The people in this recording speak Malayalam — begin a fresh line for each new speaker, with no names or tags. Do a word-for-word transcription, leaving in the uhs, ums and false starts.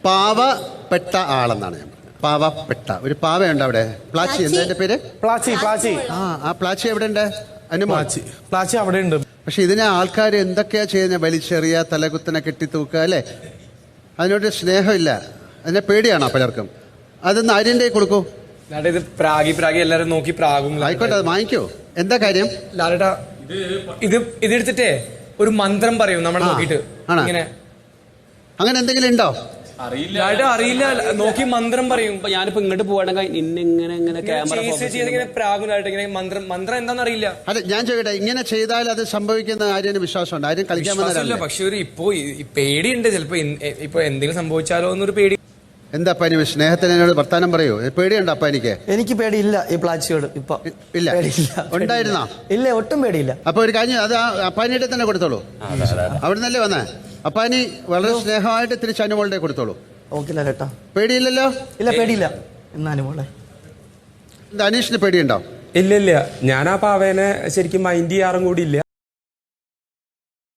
പാവപ്പെട്ട ആളെന്നാണ് ഞാൻ പറഞ്ഞത്. പാവപ്പെട്ട ഒരു പാവയുണ്ട് അവിടെ. പ്ലാച്ചി എന്താ എന്റെ പേര്?
പ്ലാച്ചി. പ്ലാച്ചി
ആ ആ പ്ലാച്ചി എവിടെ ഉണ്ട്?
പ്ലാച്ചി പ്ലാച്ചി അവിടെ ഉണ്ട്.
പക്ഷെ ഇതിനെ ആൾക്കാർ എന്തൊക്കെയാ ചെയ്യുന്നത്? വലിച്ചെറിയ, തലകുത്തനെ കെട്ടിത്തൂക്കുക അല്ലേ? അതിനോട് സ്നേഹമില്ല, അതിനെ പേടിയാണോ പലർക്കും? അതൊന്ന് ആര്യന്റെ കൊടുക്കൂ.
ഇത് പ്രാഗി പ്രാഗി എല്ലാരും നോക്കി പ്രാഗും.
ആയിക്കോട്ടെ, അത് വാങ്ങിക്കോ. എന്താ കാര്യം?
ലാലേട്ടാ ഇത് ഇതെടുത്തിട്ടേ ഒരു മന്ത്രം പറയും നമ്മൾ നോക്കിട്ട്. ഇങ്ങനെ
അങ്ങനെ എന്തെങ്കിലും ഉണ്ടോ?
ലാലേട്ടാ അറിയില്ല, നോക്കി മന്ത്രം പറയും.
ഞാനിപ്പോ ഇങ്ങോട്ട് പോവാണെങ്കിൽ ഇന്നിങ്ങനെ ഇങ്ങനെ ക്യാമറ
ഇങ്ങനെ പ്രാഗും ലാലേട്ട ഇങ്ങനെ മന്ത്രം മന്ത്രം എന്താണെന്ന് അറിയില്ല.
അല്ല ഞാൻ ചോദിക്കട്ടെ, ഇങ്ങനെ ചെയ്താൽ അത് സംഭവിക്കുന്ന ആര്യന് വിശ്വാസമുണ്ട്? ആരും കളിക്കാൻ വന്നതല്ല.
പക്ഷെ ഒരു ഇപ്പോ പേടിയുണ്ട്, ചിലപ്പോ ഇപ്പൊ എന്തെങ്കിലും സംഭവിച്ചാലോ എന്നൊരു പേടി.
എന്താ അപ്പാനി സ്നേഹത്തിന് എന്നോട് വർത്താനം പറയൂ. പേടിയുണ്ടോ അപ്പാനിക്ക്?
എനിക്ക് പേടിയില്ല ഈ പ്ലാച്ചിയോട്. ഇപ്പൊ
ഇല്ല. ഉണ്ടായിരുന്നോ?
ഇല്ല, ഒട്ടും പേടിയില്ല.
അപ്പൊ ഒരു കാര്യം, അത് അപ്പാനിയുടെ തന്നെ കൊടുത്തോളൂ. അവിടെ നിന്നല്ലേ വന്നേ? അപ്പാനി വളരെ സ്നേഹമായിട്ട് തിരിച്ച് അനുമോളുടെ കൊടുത്തോളൂ.
ഓക്കെ ലാലേട്ടാ.
പേടിയില്ലല്ലോ?
ഇല്ല, പേടിയില്ല. എന്നാ അനുമോളെ,
അനീഷിന് പേടിയുണ്ടോ?
ഇല്ല ഇല്ല, ഞാൻ ആ പാവേനെ ശരിക്കും മൈൻഡ് ചെയ്യാറും കൂടി ഇല്ല.